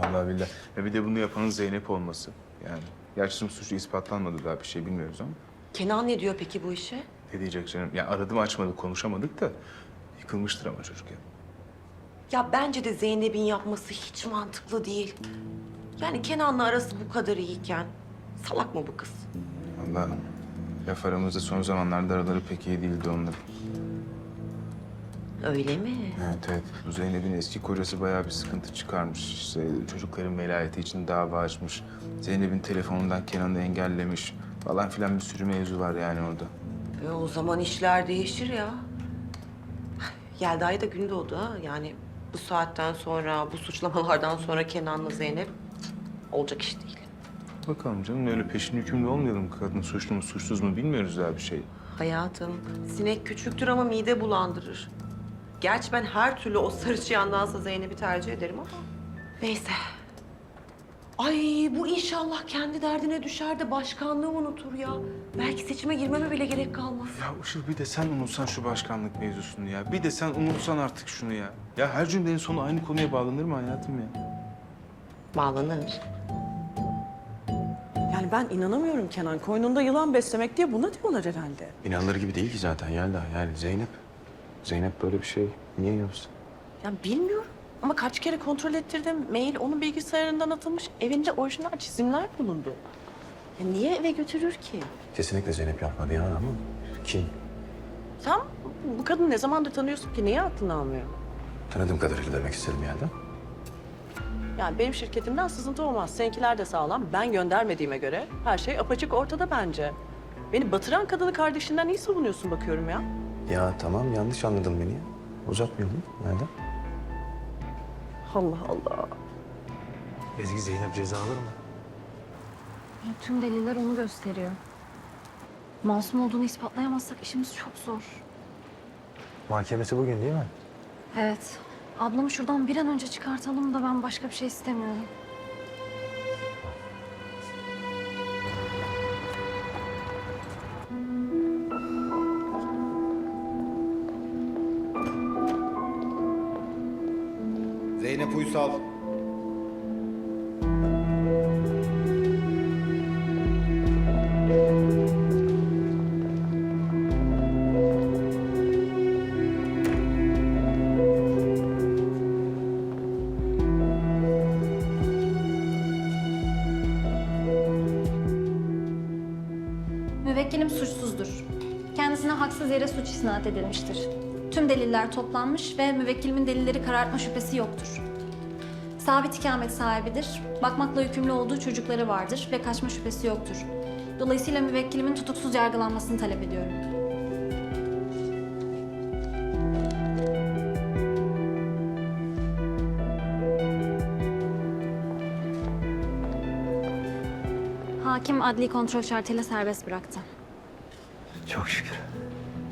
Vallahi billahi. Ya bir de bunu yapanın Zeynep olması. Yani gerçi suçu ispatlanmadı, daha bir şey bilmiyoruz ama. Kenan ne diyor peki bu işe? Ne diyecek canım? Ya aradım açmadı, konuşamadık da yıkılmıştır ama çocuk ya. Ya bence de Zeynep'in yapması hiç mantıklı değil. Yani Kenan'la arası bu kadar iyiyken salak mı bu kız? Vallahi laf aramızda son zamanlarda araları pek iyi değildi onların. Öyle mi? Evet evet. Bu Zeynep'in eski kocası bayağı bir sıkıntı çıkarmış. İşte çocukların velayeti için dava açmış. Zeynep'in telefonundan Kenan'ı engellemiş falan filan, bir sürü mevzu var yani orada. O zaman işler değişir ya. Yelda'ya da gün doğdu ha. Yani bu saatten sonra, bu suçlamalardan sonra Kenan'la Zeynep olacak iş değil. Bakalım canım, öyle peşin hükümlü olmayalım. Kadın suçlu mu suçsuz mu bilmiyoruz daha bir şey. Hayatım, sinek küçüktür ama mide bulandırır. Gerçi ben her türlü o sarı çıyandansa Zeynep'i tercih ederim ama. Neyse. Ay bu inşallah kendi derdine düşer de başkanlığı unutur ya. Belki seçime girmeme bile gerek kalmaz. Ya Işıl, bir de sen unutsan şu başkanlık mevzusunu ya. Bir de sen unutsan artık şunu ya. Ya her cümlenin sonu aynı konuya bağlanır mı hayatım ya? Bağlanır. Yani ben inanamıyorum Kenan. Koynunda yılan beslemek diye buna diyorlar herhalde. İnanılır gibi değil ki zaten Yelda. Yani Zeynep. Zeynep böyle bir şey niye yapsın? Ya bilmiyorum ama kaç kere kontrol ettirdim. Mail onun bilgisayarından atılmış. Evinde orijinal çizimler bulundu. Ya niye eve götürür ki? Kesinlikle Zeynep yapmadı ya ama kim? Sen bu kadını ne zamandır tanıyorsun ki? Niye aklını almıyor? Tanıdığım kadarıyla demek istedim Yelda. Yani benim şirketimden sızıntı olmaz. Seninkiler de sağlam. Ben göndermediğime göre her şey apaçık ortada bence. Beni batıran kadını kardeşinden iyi savunuyorsun bakıyorum ya. Ya tamam, yanlış anladın beni ya. Uzatmayalım Yelda. Allah Allah. Ezgi, Zeynep ceza alır mı? Ya tüm deliller onu gösteriyor. Masum olduğunu ispatlayamazsak işimiz çok zor. Mahkemesi bugün değil mi? Evet. Ablamı şuradan bir an önce çıkartalım da ben başka bir şey istemiyorum. Zeynep Uysal. Müvekkilim suçsuzdur. Kendisine haksız yere suç isnat edilmiştir. Tüm deliller toplanmış ve müvekkilimin delilleri karartma şüphesi yoktur. Sabit ikamet sahibidir. Bakmakla yükümlü olduğu çocukları vardır ve kaçma şüphesi yoktur. Dolayısıyla müvekkilimin tutuksuz yargılanmasını talep ediyorum. Hakim adli kontrol şartıyla serbest bıraktı. Çok şükür.